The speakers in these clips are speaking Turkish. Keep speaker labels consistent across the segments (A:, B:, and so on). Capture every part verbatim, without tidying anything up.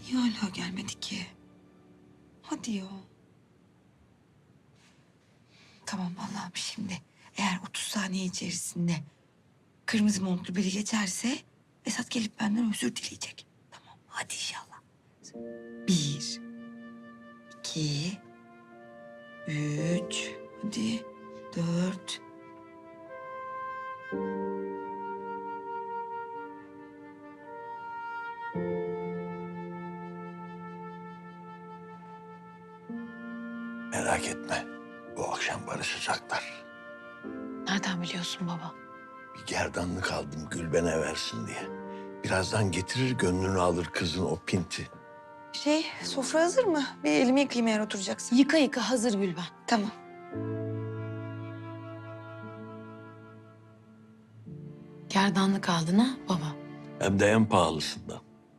A: Niye hala gelmedi ki? Hadi ya. Tamam Allah'ım şimdi. Eğer otuz saniye içerisinde kırmızı montlu biri geçerse Esat gelip benden özür dileyecek. Tamam hadi inşallah. Bir, iki, üç, hadi dört.
B: Merak etme. Bu akşam barışacaklar.
C: Nereden biliyorsun baba?
B: Bir gerdanlık aldım Gülben'e versin diye. Birazdan getirir gönlünü alır kızın o pinti.
A: Şey sofra hazır mı? Bir elimi yıkayayım eğer oturacaksın.
C: Yıka yıka hazır Gülben.
A: Tamam.
C: Gerdanlık aldın ha baba?
B: Hem de en pahalısından.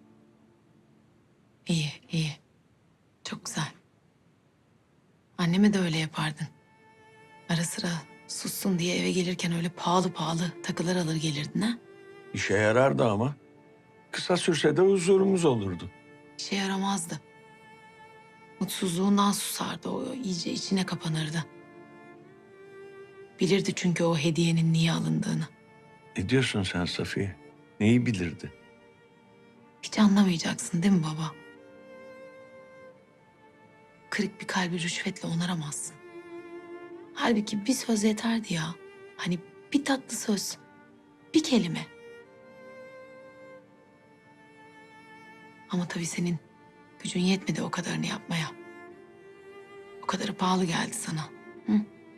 C: İyi iyi. Çok güzel. Anneme de öyle yapardın. Ara sıra sussun diye eve gelirken öyle pahalı pahalı takılar alır gelirdin ha?
B: İşe yarardı ama. Kısa sürse de huzurumuz olurdu.
C: İşe yaramazdı. Mutsuzluğundan susardı o iyice içine kapanırdı. Bilirdi çünkü o hediyenin niye alındığını.
B: Ne diyorsun sen Safiye? Neyi bilirdi?
C: Hiç anlamayacaksın değil mi baba? Kırık bir kalbi rüşvetle onaramazsın. Halbuki bir söz yeterdi ya. Hani bir tatlı söz, bir kelime. Ama tabii senin gücün yetmedi o kadarını yapmaya. O kadarı pahalı geldi sana. Hı?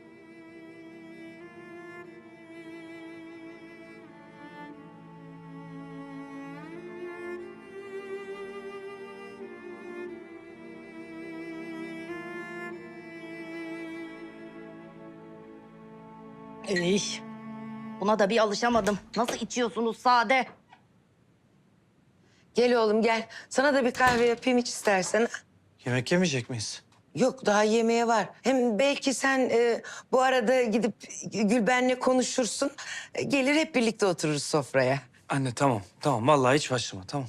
D: Ey, buna da bir alışamadım. Nasıl içiyorsunuz sade?
E: Gel oğlum gel. Sana da bir kahve yapayım iç istersen.
F: Yemek yemeyecek miyiz?
E: Yok daha yemeğe var. Hem belki sen e, bu arada gidip Gülben'le konuşursun. E, Gelir hep birlikte otururuz sofraya.
F: Anne tamam, tamam. Vallahi hiç başlama, tamam.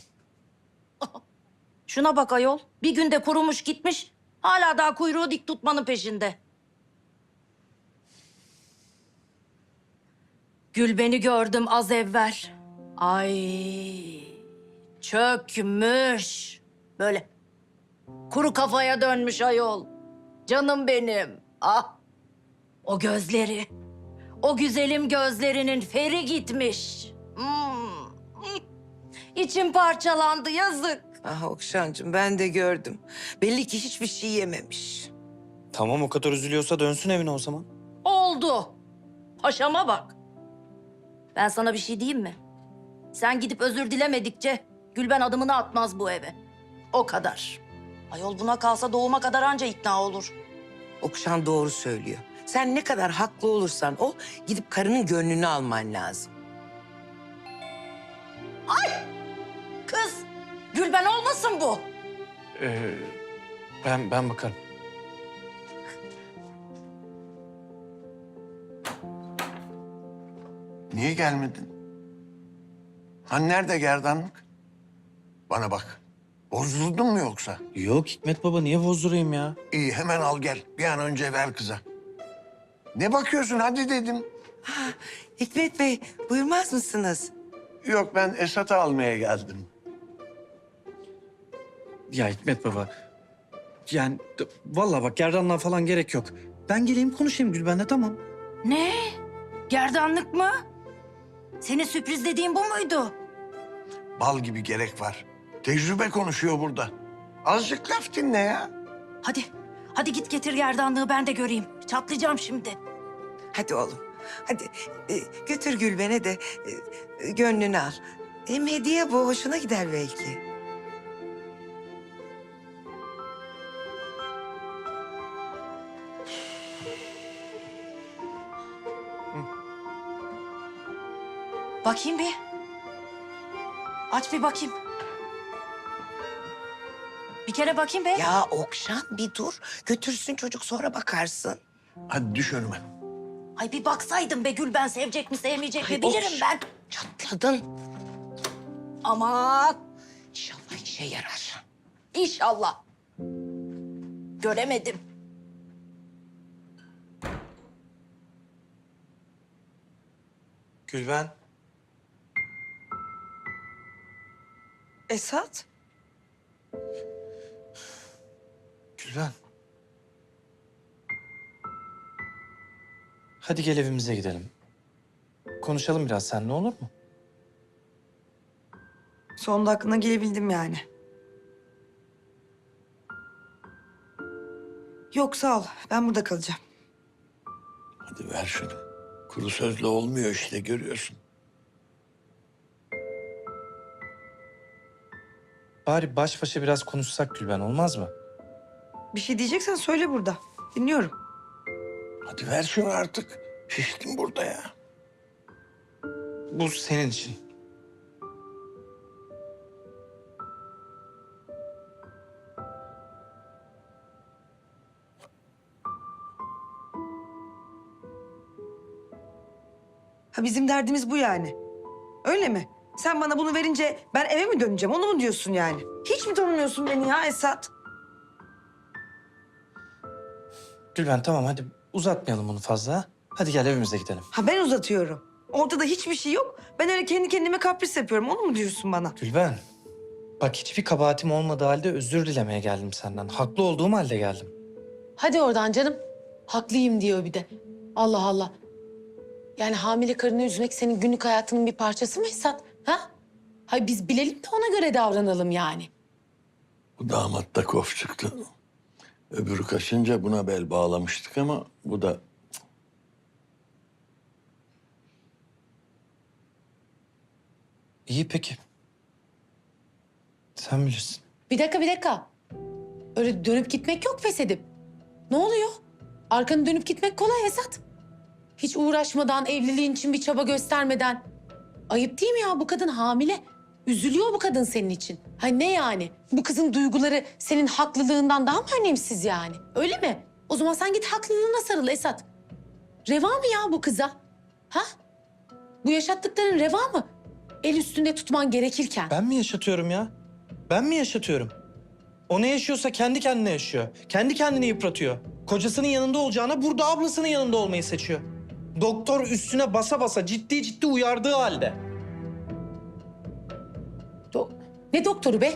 D: Şuna bak ayol. Bir günde kurumuş gitmiş. Hala daha kuyruğu dik tutmanın peşinde. Gülben'i gördüm az evvel. Ay, çökmüş. Böyle kuru kafaya dönmüş ayol. Canım benim. Ah, o gözleri. O güzelim gözlerinin feri gitmiş. Hmm. İçim parçalandı yazık.
E: Ah Okşancığım ben de gördüm. Belli ki hiçbir şey yememiş.
F: Tamam, o kadar üzülüyorsa dönsün evine o zaman.
D: Oldu. Paşama bak. Ben sana bir şey diyeyim mi? Sen gidip özür dilemedikçe Gülben adımını atmaz bu eve. O kadar. Ayol buna kalsa doğuma kadar anca ikna olur.
E: Okşan doğru söylüyor. Sen ne kadar haklı olursan ol, gidip karının gönlünü alman lazım.
D: Kız, Gülben olmasın bu.
F: Ee, ben ben bakarım.
B: Niye gelmedin? Hani nerede gerdanlık? Bana bak. Bozuldun mu yoksa?
F: Yok Hikmet baba, niye bozdurayım ya?
B: İyi hemen al gel. Bir an önce ver kıza. Ne bakıyorsun hadi dedim.
E: Hikmet Bey buyurmaz mısınız?
B: Yok ben Esat'ı almaya geldim.
F: Ya Hikmet baba, yani d- vallahi bak gerdanlığa falan gerek yok. Ben geleyim konuşayım Gülben'le, tamam.
D: Ne? Gerdanlık mı? Senin sürpriz dediğin bu muydu?
B: Bal gibi gerek var. Tecrübe konuşuyor burada. Azıcık laf dinle ya.
D: Hadi, hadi git getir gerdanlığı ben de göreyim. Çatlayacağım şimdi.
E: Hadi oğlum. Hadi e, götür Gülben'e de e, gönlünü al. Hem hediye bu hoşuna gider belki.
D: Bakayım bir. Aç bir bakayım. Bir kere bakayım be.
E: Ya Okşan bir dur. Götürsün çocuk sonra bakarsın.
B: Hadi düş önüme.
D: Ay bir baksaydım be Gülben sevecek mi sevmeyecek mi
E: Ay,
D: bilirim
E: of.
D: ben.
E: Çatladın.
D: Aman.
E: İnşallah işe yarar.
D: İnşallah. Göremedim.
F: Gülben.
A: Esat?
F: Gülben. Hadi gel evimize gidelim. Konuşalım biraz seninle, olur mu?
A: Sonunda aklına gelebildim yani. Yok sağ ol. Ben burada kalacağım.
B: Hadi ver şunu. Kuru sözle olmuyor işte, görüyorsun.
F: Bari baş başa biraz konuşsak Gülben, olmaz mı?
A: Bir şey diyeceksen söyle burada. Dinliyorum.
B: Hadi ver şunu artık. Şiştim burada ya.
F: Bu senin için.
A: Ha bizim derdimiz bu yani. Öyle mi? Sen bana bunu verince ben eve mi döneceğim? Onu mu diyorsun yani? Hiç mi tanımıyorsun beni ya Esat?
F: Gülben tamam, hadi uzatmayalım bunu fazla. ha? Hadi gel evimize gidelim.
A: Ha ben uzatıyorum. Ortada hiçbir şey yok. Ben öyle kendi kendime kapris yapıyorum. Onu mu diyorsun bana?
F: Gülben, bak hiçbir kabahatim olmadığı halde özür dilemeye geldim senden. Haklı olduğum halde geldim.
C: Hadi oradan canım. Haklıyım diyor bir de. Allah Allah. Yani hamile karını üzmek senin günlük hayatının bir parçası mı Esat? Ha? Hay biz bilelim de ona göre davranalım yani.
B: Bu damat da kof çıktı. Öbürü kaçınca buna bel bağlamıştık ama bu da...
F: İyi peki. Sen bilirsin.
C: Bir dakika bir dakika. Öyle dönüp gitmek yok pes edip. Ne oluyor? Arkanı dönüp gitmek kolay Esat. Hiç uğraşmadan, evliliğin için bir çaba göstermeden. Ayıp değil mi ya? Bu kadın hamile. Üzülüyor bu kadın senin için. Ha ne yani? Bu kızın duyguları senin haklılığından daha mı önemsiz yani? Öyle mi? O zaman sen git haklılığına sarıl Esat. Reva mı ya bu kıza? Ha? Bu yaşattıkların reva mı? El üstünde tutman gerekirken.
F: Ben mi yaşatıyorum ya? Ben mi yaşatıyorum? O ne yaşıyorsa kendi kendine yaşıyor. Kendi kendini yıpratıyor. Kocasının yanında olacağına burada ablasının yanında olmayı seçiyor. Doktor üstüne basa basa ciddi ciddi uyardığı halde.
C: Do- ne doktoru be?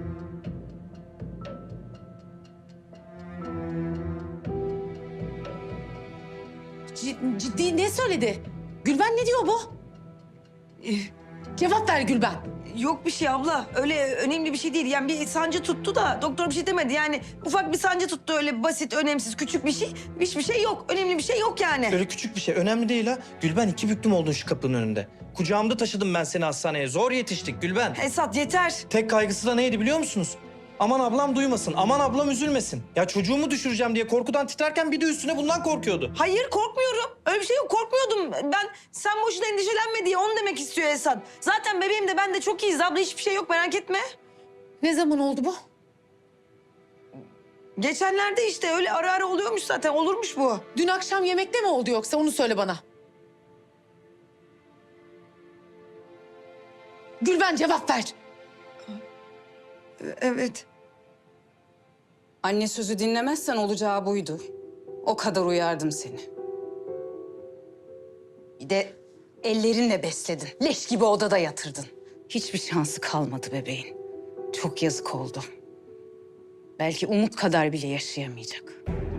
C: Cid- ciddi ne söyledi? Gülben ne diyor bu?
A: Ee,
C: Cevap ver Gülben.
A: Yok bir şey abla. Öyle önemli bir şey değil. Yani bir sancı tuttu da doktor bir şey demedi. Yani ufak bir sancı tuttu, öyle basit, önemsiz, küçük bir şey. Hiçbir şey yok. Önemli bir şey yok yani.
F: Böyle küçük bir şey. Önemli değil ha. Gülben iki büklüm oldun şu kapının önünde. Kucağımda taşıdım ben seni hastaneye. Zor yetiştik Gülben.
A: Esat yeter.
F: Tek kaygısı da neydi biliyor musunuz? Aman ablam duymasın, aman ablam üzülmesin. Ya çocuğumu düşüreceğim diye korkudan titrerken bir de üstüne bundan korkuyordu.
A: Hayır korkmuyorum. Öyle bir şey yok. Korkmuyordum. Ben sen boşuna endişelenme diye onu demek istiyor Esat. Zaten bebeğim de ben de çok iyiyiz abla. Hiçbir şey yok, merak etme.
C: Ne zaman oldu bu?
A: Geçenlerde işte öyle ara ara oluyormuş zaten. Olurmuş bu.
C: Dün akşam yemekte mi oldu yoksa onu söyle bana. Gülben cevap ver.
A: Evet.
G: Anne sözü dinlemezsen olacağı buydu. O kadar uyardım seni. Bir de ellerinle besledin. Leş gibi odada yatırdın. Hiçbir şansı kalmadı bebeğin. Çok yazık oldu. Belki Umut kadar bile yaşayamayacak.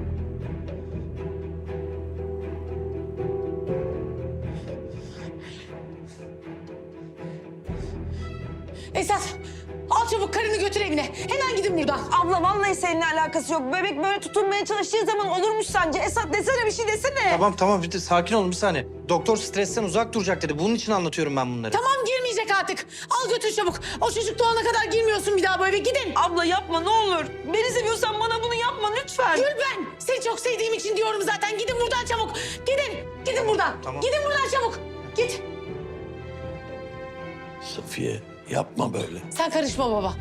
C: Esat al çabuk karını götür evine. Hemen gidin buradan.
A: Abla vallahi seninle alakası yok. Bebek böyle tutunmaya çalıştığı zaman olurmuş sence. Esat desene, bir şey desene.
F: Tamam tamam bir de sakin olun bir saniye. Doktor stresten uzak duracak dedi. Bunun için anlatıyorum ben bunları.
C: Tamam girmeyecek artık. Al götür çabuk. O çocuk doğana kadar girmiyorsun bir daha bu eve. Gidin.
A: Abla yapma ne olur. Beni seviyorsan bana bunu yapma lütfen.
C: Gülben seni çok sevdiğim için diyorum zaten. Gidin buradan çabuk. Gidin. Gidin buradan.
F: Tamam.
C: Gidin buradan çabuk. Git.
B: Safiye yapma böyle.
C: Sen karışma baba.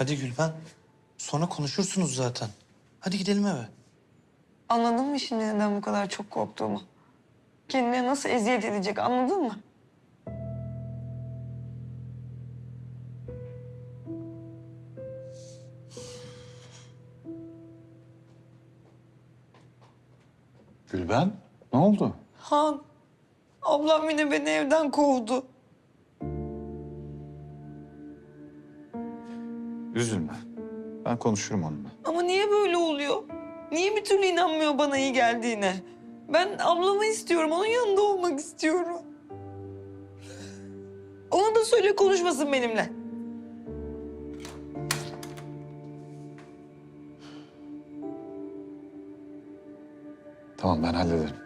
F: Hadi Gülben. Sonra konuşursunuz zaten. Hadi gidelim eve.
A: Anladın mı şimdi neden bu kadar çok korktuğumu? Kendine nasıl eziyet edecek anladın mı?
H: Gülben, ne oldu?
A: Han, ablam yine beni evden kovdu.
H: Üzülme. Ben konuşurum onunla.
A: Ama niye böyle oluyor? Niye bir türlü inanmıyor bana iyi geldiğine? Ben ablamı istiyorum, onun yanında olmak istiyorum. Ona da söyle konuşmasın benimle.
H: Tamam, ben hallederim.